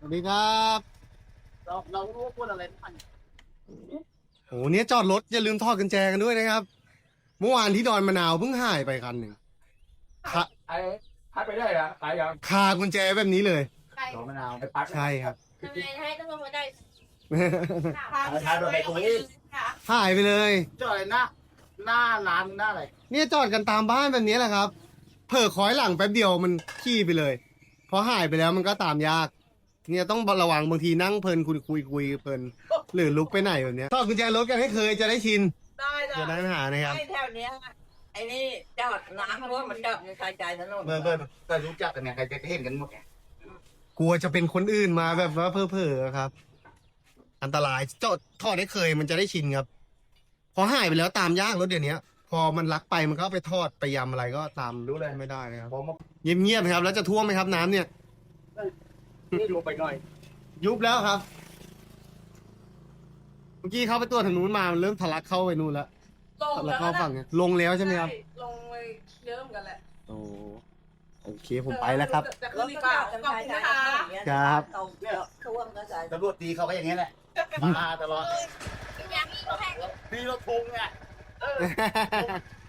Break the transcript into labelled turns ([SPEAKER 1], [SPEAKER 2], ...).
[SPEAKER 1] วัสดีครับ
[SPEAKER 2] เรารู้ว่าพูดอะไรมัน
[SPEAKER 1] โหเนี้ยจอดรถอย่าลืมถอดกุญแจกันด้วยนะครับเมื่อวานที่ดอนมะนาวเพิ่งหายไปคันหนึ่งคา
[SPEAKER 3] ไอ้พัดไปได้เหรอตายยัง
[SPEAKER 1] คากุญแจแบบนี้เลย
[SPEAKER 4] ใคร
[SPEAKER 2] ดอกมะนาว
[SPEAKER 3] ไอ้พัด
[SPEAKER 1] ใช่ครับ
[SPEAKER 4] ทำไมให้ต้องลงมาได้
[SPEAKER 2] ทานโดนไปคุย
[SPEAKER 1] หายไปเลย
[SPEAKER 2] จอดอะไรหน้าร้านหน้าอะไร
[SPEAKER 1] เนี่ยจอดกันตามบ้านแบบนี้แหละครับเผลอคอยหลังแป๊บเดียวมันขี่ไปเลยพอหายไปแล้วมันก็ตามยากเนี่ยต้องระวังบางทีนั่งเพลินคุยเพลินหรือลุกไปไหนแบบเนี้ยถอดกุญแจรถกันให้เคยจะได้ชิน
[SPEAKER 5] ได้จ้ะ
[SPEAKER 1] จะได้ไม่หานะครับ
[SPEAKER 5] ไอ้แถวเนี้ยไอ้นี่จอดน้ำเพราะว่ามันจอดในชายใจถนน
[SPEAKER 2] เบอร์แต่รู้จักกันเนี่ยใครจะเห็นกันหมด
[SPEAKER 1] กลัวจะเป็นคนอื่นมาแบบว่าเพ้อๆครับ อันตรายจอดถอดได้เคยมันจะได้ชินครับ พอหายไปแล้วตามยากรถเดี๋ยวนี้พอมันลักไปมันก็ไปทอดไปยำอะไรก็ตามรู้เลยไม่ได้นะครับ
[SPEAKER 2] พอมา
[SPEAKER 1] เงียบๆครับแล้วจะท่วมไหมครับน้ำเนี่ย
[SPEAKER 2] นี่ลงไปหน่อย
[SPEAKER 1] ยุบแล้วครับ เมื่อกี้เข้าไปตัวทางนู้นมามันเริ่มทะลักเข้าไปนู่นแล้ว
[SPEAKER 5] ลง
[SPEAKER 1] ทะลัก
[SPEAKER 5] แล้ว
[SPEAKER 1] เข้าฝั่งเนี่ยลงแล้วใช่ไหมครับ
[SPEAKER 5] ลงไปเยอะเหมือนกันแหละ
[SPEAKER 1] โอ้โอเคผมไปแล้วครับ
[SPEAKER 5] จะขึ้นอีกเปล่าขอบคุณนะคะ
[SPEAKER 1] ครับ
[SPEAKER 5] ตรงเนี่ยท่วมก็ใจ
[SPEAKER 2] ตำรวจตีเขาก็อย่างนี้แหละมาตลอด
[SPEAKER 4] อย่างนี้ก็แพง
[SPEAKER 2] ตีเราทงเนี่ย